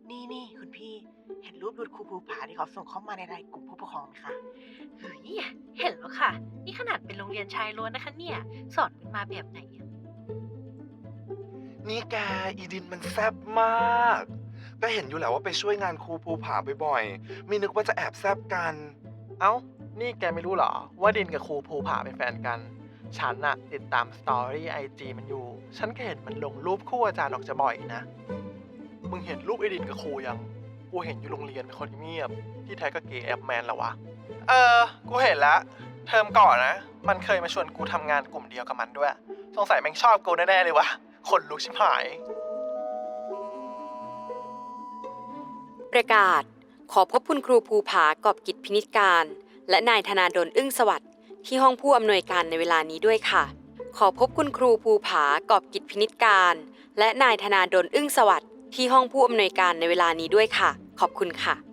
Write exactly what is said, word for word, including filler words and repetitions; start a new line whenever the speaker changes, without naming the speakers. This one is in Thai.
นี่นี่คุณพี่เห็นรูปหลุดครูภูผาที่เขาส่งเข้ามาในไลน์กลุ่มผู้ปกครองไหมคะ
เฮ้ยเห็นแล้วค่ะนี่ขนาดเป็นโรงเรียนชายล้วนนะคะเนี่ยสอนกันมาแบบไหนอะ
นี่แกอีดินมันแซ่บมาก ก็เห็นอยู่แหละว่าไปช่วยงานครูภูผาบ่อยๆไม่นึกว่าจะแอบแซ่บกัน
เอ้า นี่แกไม่รู้เหรอ ว่าดินกับครูภูผาเป็นแฟนกัน ฉันน่ะติดตามสตอรี่ไอจีมันอยู่ ฉันก็เห็นมันลงรูปคู่อาจารย์ออกจะบ่อยนะ มึงเห็นรูปไอดินกับครูยัง กูเห็นอยู่โรงเรียนเป็นคนเงียบ ที่แท้ก็เกย์แอปแมนแล้ววะ เออ กูเห็นแล้ว เทอมก่อนนะ มันเคยมาชวนกูทำงานกลุ่มเดียวกับมันด้วย สงสัยแม่งชอบกูแน่ๆเลยวะขนลุกชิบหาย
ประกาศขอพบคุณครูภูผากอบกิจพินิจการ และนายธนาดลอึ้งสวัสดิ์ที่ห้องผู้อำนวยการในเวลานี้ด้วยค่ะ ขอพบคุณครูภูผากอบกิจพินิจการ และนายธนาดลอึ้งสวัสดิ์ที่ห้องผู้อำนวยการในเวลานี้ด้วยค่ะ ขอบคุณค่ะ